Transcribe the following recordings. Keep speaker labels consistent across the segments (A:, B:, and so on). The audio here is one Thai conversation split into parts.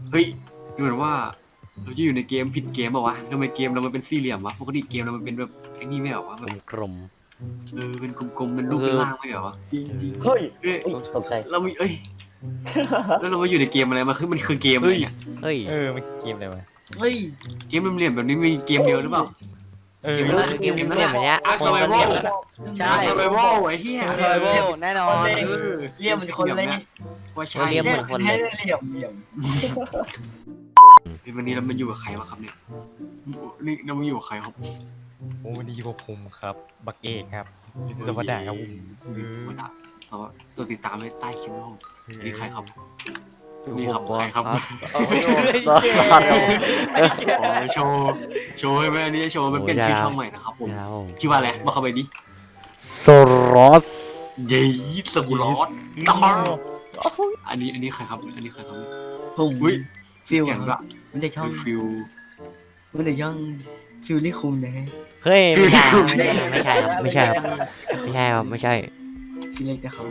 A: เฮ้ยดูเหมือนว่าเราจะอยู่ในเกมผิดเกมเปล่าวะทำไมเกมเรามันเป็นสี่เหลี่ยมวะปกติเกมเรามันเป็นแบบไอ้นี่ไม่เหรอวะแบบ
B: กลม
A: เป็นกลมๆเป็นรูปเป็นร่างไม่เหรอวะ
C: จริงจริง
D: เฮ้ย
A: เอ้ย
D: ตกใจ
A: เรามีแล้วเรามาอยู่ในเกมอะไรมันคือเกมอะไรเนี่ย
B: เฮ้ย
C: มันเกมอะไรวะ
D: เฮ้ย
A: เกมเหลี่ยมๆแบบนี้มีเกมเดียวหรือเปล่า
B: เกมเล่นแบบเนี้ย
A: อาร์
B: ค
A: ซาน ไว
B: ละ
A: โว
B: เล่ม
E: ใช่
A: อาร์ซาไวโวไอ้เหี้ย
E: เคยโบแน่นอน
D: เรียมมันคนเล่น
A: ว่าใช่
B: เรียมเหมือนคนเลย
D: เหลี่ยมเหลี่ยม
A: วันนี้เรามาอยู่กับใครวะครับเนี่ยนี่เรามาอยู่กับใครครับ
C: โอ้ดีกว่าผมครับ บักเอกครับสวัสดีครับผม
A: มาดับเพราะว่าตัวติดตามไว้ใต้คลิปนะครับนี่ใครครับนี่ครับใครครับ
B: ซอส
A: โอ้ยโชว์ให้แม่นี่โชว์มันเป็นชื่อช่องใหม่นะครับผม
B: ครับผม
A: ชื่อว่าอะไรบอกเข้าไปดิ
B: โซรอส
A: เย้สบูรอสนะครับอันนี้ใครครับอันนี้ใครครับ
D: ผม
A: อุ้ย
D: ฟิล
A: เสียงละ
D: มันจะช่อง
A: ฟิล
D: มันจะช่องฟิลลี่คุมนะฮะ
B: เฮ้ยไม่ใช่ครับไม่ใช่ครับไม่ใช่ครับไม่ใช่
D: ชื่อเล็กแต่เขา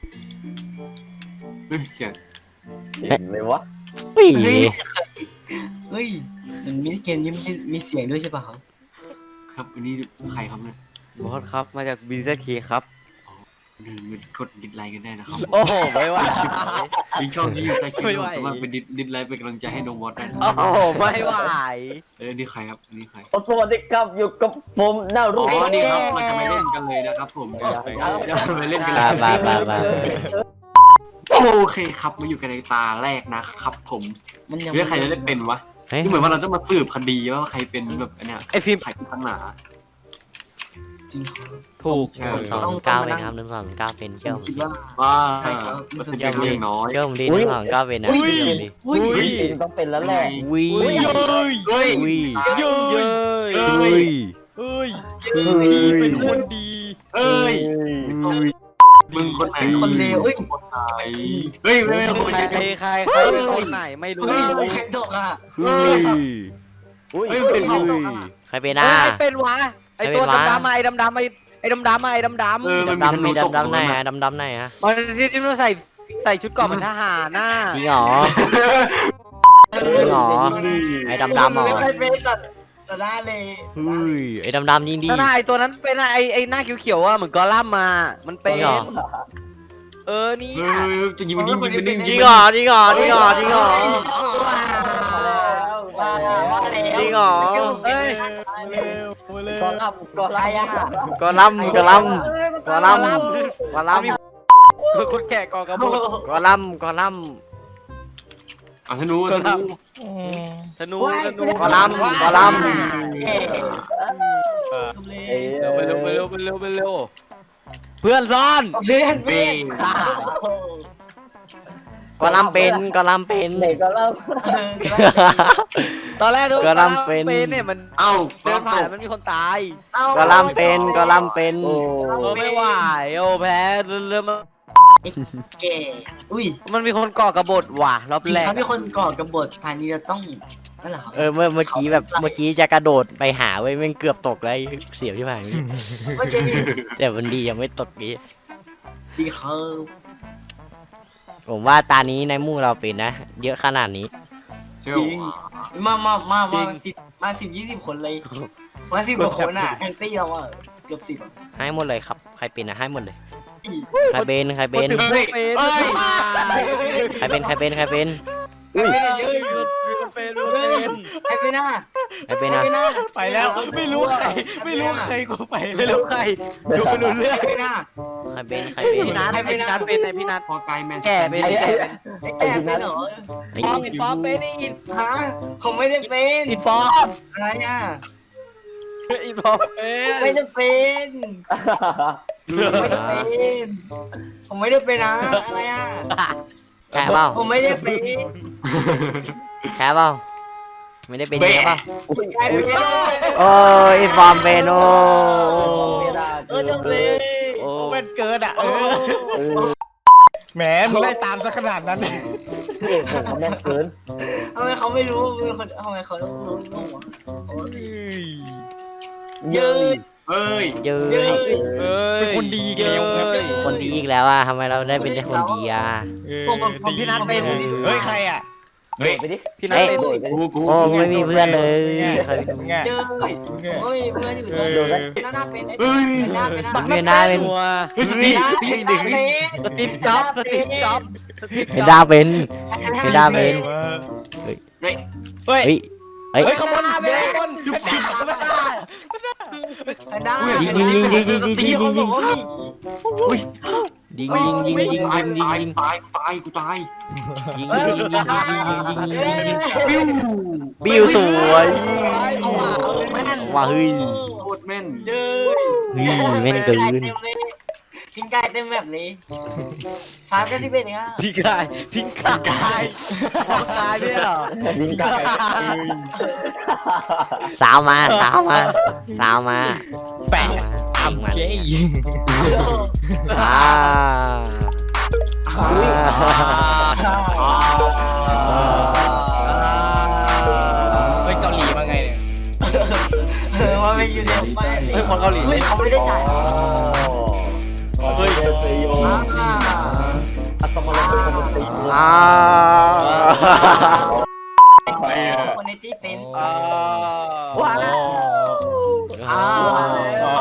A: เฮ้ยเสียง
D: เสียงเลยวะ
B: เฮ้ย
D: เฮ้ยมันมินิเกมนี้มีเสียงด้วยใช่ป่ะครับ
A: ครับอันนี้ใครครับเนี่ย
E: บอสครับมาจาก BZK ครับ
A: มันกดดิสไลค์กันได้นะครับ
E: โอ้โหไม่ไหว
A: มีช่องที่อยู่ใต้คลิป
E: ไม่ไหว
A: สามารถเป็นดิสไลค์เป็นกำลังใจให้น้องบอสได้นะ
E: โอ้โหไม่ไหว
A: อันนี้ใครครับอันนี้ใคร
D: สวัสดีครับอยู่กับผมนา
A: อ๋
D: รุ
A: อนี่ครับเราจะไปเล่นกันเลยนะครับผมเดี๋ยวไปเล่นกันเลย
B: บ้า
A: โอเคครับมาอยู่กันในตาแรกนะครับผม
D: มันยัง
A: เรื่องใครจะได้เป็นวะ
B: เฮ้ย
A: นี่เหมือนว่าเราจะมาสืบคดีว่าใครเป็นแบบอันเนี้ย
E: ไอฟิล์ม
A: ใครเป็นตั้งหนา
D: จริงครับ
E: ถูก
B: 129เป็นครับ129เป็นเชื่อผม
D: คิด
B: ดิ
D: ว่า
A: ว่า
D: ใช่ครับ
A: มันเป็นเรื่องน้อย
B: เชื่อผมดิ129เป็นนะเชื่อผมดิ
D: อุ้ย
C: ต้องเป็นแล้วแหละ
B: วิ
A: เฮ้ย
B: วิ
E: เย้ย
B: วิ
C: เฮ้ย
B: พี่
C: เป็นคนดี
A: เอ้ยมึงคนไหน
D: คนเลวเฮ้ย
A: คนไหนเฮ้ยไม่คน
E: ใคร
A: ไหน
E: ใครเป็นคนไหนไม่รู้
D: เฮ้ยใครตกอ่ะ
B: เฮ้ย
A: เฮ้ยเป็น
B: ใครเป็น
E: ไอ
B: อ่ะ
E: เป็นวะไอตัว
B: ใครเป็นวะ
E: ดำๆไอดำๆไอดำๆไอดำ
B: ดำมีดำไหนฮะดำไหนฮะ
E: ๆมันที่มันใส่ชุดเกราะเหมือนทหารน่ะ
B: จริงเหรอจริงเหรอไอ้ดำเหรอ
D: ไม่เป็นแต่ได้เลย
B: เฮ้ยไอ้ดำยิงดี
E: นั่นไอตัวนั้นเป็นไอหน้าเขียวๆอ่ะเหมือนกอลัมน์มามันเป็น
B: จริงเหรอ
E: นี่
A: เฮ้ยจะยิงมันยิงมันยิง
B: จริงเหรอจริงเหรอจริงเหรอจริงเหรอ จริงเหรอ
E: เอ้ย
D: กอลัมกอไลอ่ะ
B: กอลัมกอลัมกอลัมกอลัม
E: คนแก่กอกระบอก
B: กอลัมกอลัม
A: ธนู
E: ธนูธนู
B: กอลัมกอลัม
E: ไปเร็วไปเร็วไปเร็วไปเร็วเพื่อนซ่อน
D: เลื่อนเป้ง
B: กอลัมเป็นกอลัมเป็น
D: เด็กก็เริ่ม
E: ตอนแรกดู
B: กอลัมเป็น
E: เนี่ยมัน
A: เอ้า
E: เดินผ่านมันมีคนตาย
B: กอลัมเป็นกอลัมเป็น
E: ไม่ไหวโอ้แพ้เริ่ม
D: เก๋อุ้ย
E: มันมีคนก่อกระบฏว่ะรอบ
D: จริง
E: แรก
D: ครับมีคนก่อกบฏภายนี้จะต้องนั่นแหละครับ
B: เมื่อกี้แบบเมื่อกี้จะกระโดดไปหาไว้แม่งเกือบตกเลยเสียบที่ผ่าน
D: เมื่อกี้
B: แต่มันดียังไม่ตกนี้
D: จริงครับ
B: ผมว่าตานี้ในหมู่เราเป็นนะ เยอะขนาดนี้
A: เชื่อ
D: จริงมา10-20 คนเลยมา10 กว่าคนอ่ะแอนตี้เราอ่ะเกือบ10อ่ะ
B: ให้หมดเลยครับใครเป็นนะให้หมดเลยใครเป็นใครเป็น
E: เป็น
B: ใครเป็นใครเป็นใครเป็น
D: ไม่ได้เยอะ
E: เป็น
D: ไอ้ไม่น่า
B: ใครเป็น
D: ไอ้
B: นะ
D: ไม่น่า
C: ไปแล้วไม่รู้ใครกูไป
E: ไม่รู้ใครดูไม่รู้เรื่อง
D: ไอ้ไม่น่า
B: ใครเป็นใครเป็น
E: พี่นัทพี่นัทเป็นไอพี่นัท
A: พอไกลแมน
E: แก่เป็นแก่เป็น
D: ไอ้แก่ไม่เหรอ
B: ไอ้
E: ฟอมอินฟอมเป็นอิน
D: ฮะผมไม่ได้เป็น
E: อินฟอม
D: อะไรอ่ะ
E: อินฟอมเป็น
D: ไม่ได้เป็นไม่ได้เป็นผมไม่ได้เป็นนะอะไรอ่ะ
B: แค่เปล่า
D: ผมไม่ได้เป็น
B: แค่เปล่าไม่ได้เป็นเยอะเปล่า
D: ใครเป็น
B: โอ้ยฟอร์มเป็นโอ้
D: จบเลย
B: โอ้
C: เป็นเกินอ่ะแหมมึงไล่ตามซะขนาดนั้น
D: ทำไมเขาไม่รู้ทำไมเขาต้องรู้วะเยอะ
A: เฮ้ย
B: เยอะ
D: เยอะ
C: เป็นคนดีเกลียวครับ
B: คนดีอีกแล้วอ่ะทำไมเราได้เป็นแต่คนดีอ่ะ
C: พี่นัทเป็นเฮ้ยใครอ่ะ
A: เฮ้ย
F: ไปดิ
C: พี่นัท
B: เอ้ย
C: เต้น
F: โดดไปดิ
A: กู
B: โอ้ไม่มีเพื่อนเลยใคร
C: ไง
D: เย้ยโอ้ยเพื่อนอยู่ตรงนี้หน้าเป็นไอ้
A: เฮ้ย
D: หน้าเป็นหน้า
B: เวียนหน้าเป็น
A: เฮ้ยสตีสตีหนึ่ง
E: สติปจ็อบสติปจ็อบ
B: เห็นดาเป็นเห็นดาเป็น
C: เฮ้ย
B: เฮ้ย
C: เฮ้ย
B: เฮ้ย
C: ขบวนเดินจุ๊บจิ๊บ
D: หน้า
B: ยิงยิงยิงยิงยิงยิงยิงยิง
A: อุ้ย
B: ยิงยิงยิงยิง
A: ตาย
B: ยิง
A: ตาย
B: ยิง
A: ตายตายกูตาย
B: ยิงยิงยิงยิงยิงยิงยิง
A: ปิ้ว
B: บิวสวยว้าเฮ้ย
A: โคตรแม่น
D: เย้ย
B: เฮ้ยแม่นเกิน
D: ทิ้งกายเต็มแบบนี้391เนี่ย
E: พี่กายพี่กายบอกกายด้วยเหรอ
F: ยิงไก่
B: สาวมาสาวมาสาวมา
C: แปะ
B: ยิงมัน
C: เย้
B: อ่าอ่า
C: เฮ้ยเกาหลีมาไงเนี่ย
D: ว่าไม่อยู่ในบ้าน
E: เฮ้ยคนเกาหลี
D: เฮ้ยเขาไม่ได้จ่าย
F: เฮ้ยเซโยอัตมาลงเป็นคนตี
B: อ่า
D: คนในที่เป็น
E: อ่า
D: ว้าว
B: อ่า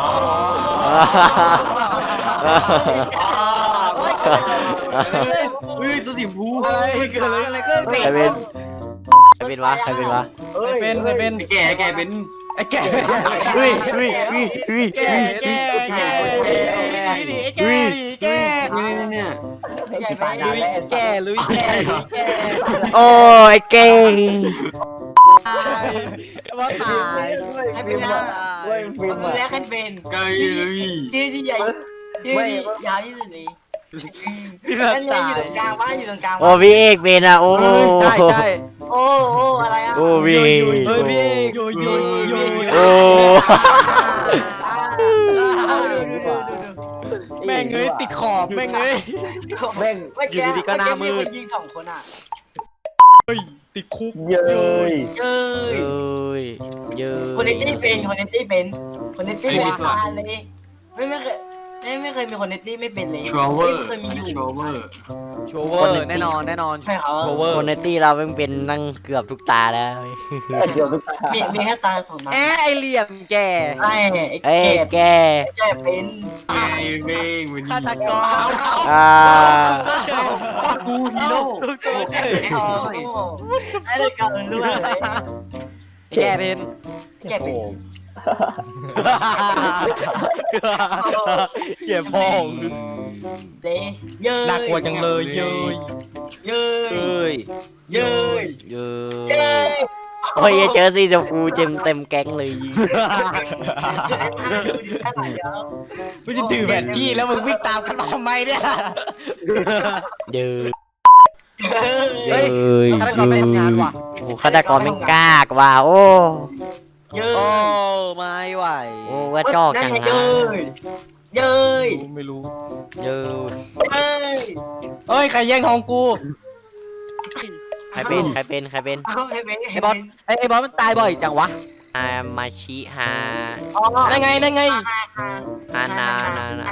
A: เฮ้ยสติมพู
E: อะไรเกิดอะไรขึ้น
B: ใครเป็นใครเป็นวะใครเป็นวะ
C: เป็นเป็น
A: ไอ้แกเป็น
C: ไอ้แก่
B: เฮ้ยเฮ้ยเฮ้ยเฮ้ย
C: แก่แก่แก่แก่แก่
A: เนี่ย
D: ใหญ่ไป
F: ตายแน่
E: แก่ลุยแก่ลุยแก่
B: โอ้ยเก่ง
E: ว่าตาย
D: ให้เป็นหน้า
F: เว้ยฟิล์ม
D: มือ
F: อ่ะ
D: แรกให้เป็น
A: ไกลเลย
D: ชื่อที่ใหญ่ชื่อที่ยาวที่สุดเลย
E: พี่
D: นั่
E: นั
D: น
E: ท
D: ไง
E: ตา
D: อยู่
E: ย
D: ตรงกลางบ้านอยู่ตรงกลาง
B: โอ้พี่เอกเป็นอ่ะโอ้
E: ใช่ใช่
D: โอ้โอ้อะไรอ่ะ
B: โอ้พี่
E: เฮ้ยพี่เอก
C: โยโยโย
B: โอ้
C: แม่งเอ้ยติดขอบแม่งเอ้ย
F: แม่ง
E: อยู่ดีๆก็หน้ามืด
D: ยิง2 คนอ่ะ
C: เฮ้ยติดคุก
F: เย้ย
D: เย้ย
B: เอ้ยเยอะ
D: คนในตี้เป็นคนในตี้เป็นคนในตี้เป็นมาเลยไม่เคยมีคนในตี้ไม่เป็นเลย
A: ทรเวอร์
D: ไม่เคยมีอยู่
A: ทรเวอร์
E: โชเวอร์แน่นอนแน่นอน
D: ใช่เหรอ
E: โชเวอร์
B: คนในตี้เราเป็นนั่งเกือบทุกตาแล้ว
F: เดี๋ยวทุกตา
D: มีแค่ตา2 นัด
E: แอะไอเหลี่ยมแก่
D: ไอ้
B: เอ้ยแก
D: แก่เป็น
A: ไอ้เม่งมัน
E: ฆาตกร
B: อ่า
A: กูฮีโร่
D: ไอ้เด็กเก่ารู้อะไร
E: แก่เป็น
D: แก่เป็น
C: เก็บพ่อง
D: เด้เย้ย
C: น่ากลัวจังเลยเย้ย
D: เย้ย
E: เอ้ย
D: เย้ย
B: เยอ
D: เย้
B: ะ
D: ย
B: โอ้ยเจอสีชมพูเต็มแก๊งเลย
C: ไม่จะถือแผนที่แล้วมึงวิ่งตามกันมาทำไมเนี่ย
B: เยอะ
D: เย้ย
B: เย้ย
E: ฆาตกรไม่ทำงานว่ะ
B: โอ้ฆาตกรไม่กล้ากว่าโอ้
D: เย้
E: โอ้
D: ย
E: ไม่ไหว
B: โอ้ว่าจอกจัง
D: เย้
B: นะ
D: ยเย้ย
C: ไม่รู้
B: เยอะ
D: เย้ย
C: เอ้ยใครแย่งทองกู
B: ใครเป็นใครเป็นใครเป็น
D: เอาให้เป็น
E: ไอ้บอสไอ้บอสมันตายบ่อยจังวะ
B: อามาชิฮา
C: ได้ไงได้ไง
B: ฮานานานา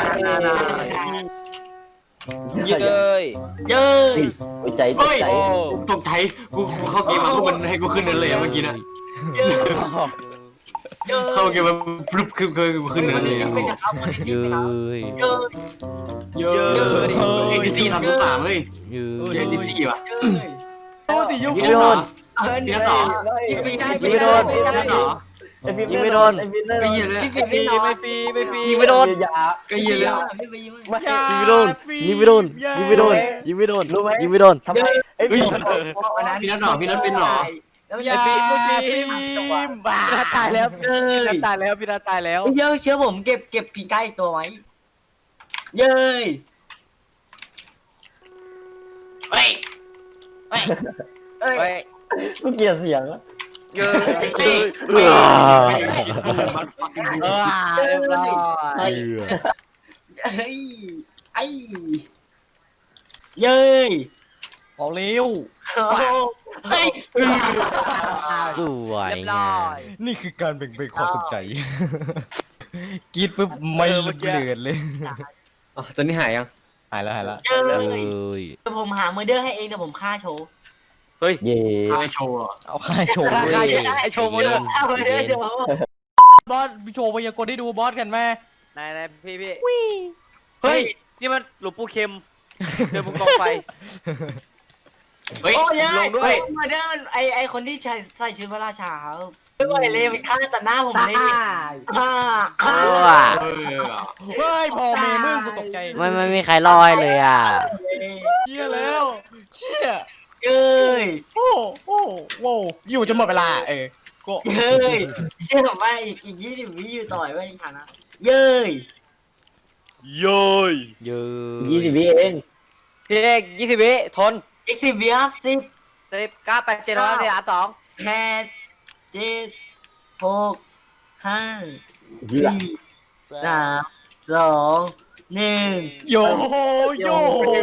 E: เย้ย
D: เย้ย
F: หัวใจตก
A: เฮ้ย
F: ใจ
A: ตกใจกูเข้าเกมมาพวกมันให้กูขึ้นนั่นเลยเมื่อกี้นะ
D: เย้ยเย้ย
A: เข้าเกมมาฟลุปขึ้นนั่นเลย
D: เป็นนะครับคนนี้
B: เย
D: เป็น
B: อะ
D: ครับเย้ย
A: เยอะเอ็นดิตี้ทำทุกสามเฮ้ย
B: เยอ
A: เอ็นดิตี้ว่ะ
D: เย้ย
C: โอ้สิยุ
A: พี่
C: กู
A: นัทเหรอ
D: พี่
A: นัทเหรอ
D: ไม่ใช่
A: พี่นัทเหรอ
F: ไอ้ฟิล์ม
B: ยิงไม่โดน
F: ไอ้ฟิล์ม
A: ไอ้เหี้ยเลย
D: พี่
E: ฟรีไม่ฟรีไม่ฟรี
B: ยิงไม่โดน
F: ยา
A: ไอ้เหี้ยเลย
D: พี่ไปยิง
F: ไม่
B: ยิงไม่โดนยิงไม่โดนยิงไม่โดนยิงไม่โดน
F: รู้ไหม
B: ยิงไม่โดน
F: ทำไมไอ้ฟิล์ม
A: พี่นัทเหรอพี่นัทเป็นเหรอ
D: แล้ว
C: อย่า
D: ไอ้
C: ฟิ
D: พี่
C: ล์มบ้า
E: พี่นัทตายแล้ว
D: เย้
E: พี่นั
D: ย
E: ทตายแล้วพี่นัทตายแล้ว
D: เชื่อผมเก็บพีก้าอีกตัวไว้เย้ย
A: เฮ้ย
D: เอ้ย
E: เฮ้ย
F: กูเกลียดเสียงอะ
E: เย้ย
A: เฮ้ย
E: เรียบร้อย
D: เอ้ยไอ้เย้ย
C: บอกเร็ว
D: เฮ้ย
B: สวย
E: เรียบร้
B: งา
E: อ
B: ม
E: ย
C: นี่คือการแบ่งเบนความสนใจกรีดปุ๊บไม่เลือดเลย
E: ตอนนี้หายยัง
C: หายแล้ว
D: เย้
B: เลย ย
D: เดี๋ยวผมหาเมอร์เดอร์ให้เองเดี๋ยวผมฆ่าโชว์
E: เฮ้ย
F: เย่
A: ไอโชว์อะ
C: เอาค่ายโชว์
E: ใครไอโชว์มาด้วย
D: เอาไปเลยเดี๋ยว
C: บอสโชว์พยากรณ์ได้ดูบอสกันไหม
E: นายพี่เฮ้ยนี่มันหลวงปู่เข็มเดินบนกองไฟ
A: เฮ้ย
D: โอ้ย
E: ลงด้วย
D: มาเดินไอคนที่ใส่ชุดพระราชาครับไม่ไหวเลยมันฆ่าตัดหน้าผมเลยอ่า
B: ว้า
A: เออ
C: เฮ้ยพอเมย์มึงกูตกใจ
B: ไม่มีใครรอให้เลยอ่ะ
C: เชี่ยแล้วเชี่ย
D: เอ้ย
C: โอ้โอ้โว้อยู่จนหมดเวลาก็
D: เย้ยเชื่อผมว่าอีก20 วิอยู่ต่อยว่ายังทันนะเย้ย
E: โย้ย
B: เยอะ
F: 20 วิเอง
E: พี่เอก20 วิทน
D: อีก10 วิครับ10
E: 10 9 8 7 6 4 3 2
D: 8 7 6 5
F: เหี้ย
D: 4 3 2 1
C: โยโย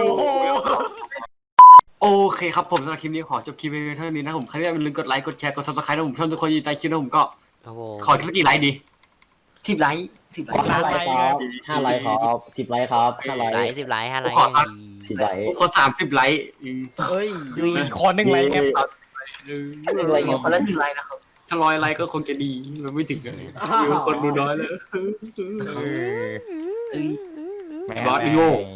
A: โอเคครับผมสำหรับคลิปนี้ขอจบคลิปไปเท่านี้นะผมใครที่อย่าลืมกดไลค์กดแชร์กดซับสไครต์นะผมชอบทุกคนยินดีใต้คลิปนะผมก็
B: ครับผม
A: ขอสักกี่ไลค์ดี
D: 10 ไลค์10 ไลค์
F: 5 ไลค์ครับ5 ไลค์ครับ10 ไลค์ครับ5 ไล
B: ไล
F: ค์
B: ค์10 ไลค์5 ไลค์
F: 10 ไลค์
A: ขอ30ไลค์
E: เฮ้ย
C: คอนหนึ่งไรครับ
D: 1 ไลค์คนละ1 ไลค์นะครับ
A: ถ้า100ไลค์ก็คงจะดีมันไม่ถึงเลยคนดูน้อยเลย
C: เออ
A: บอสอีโง่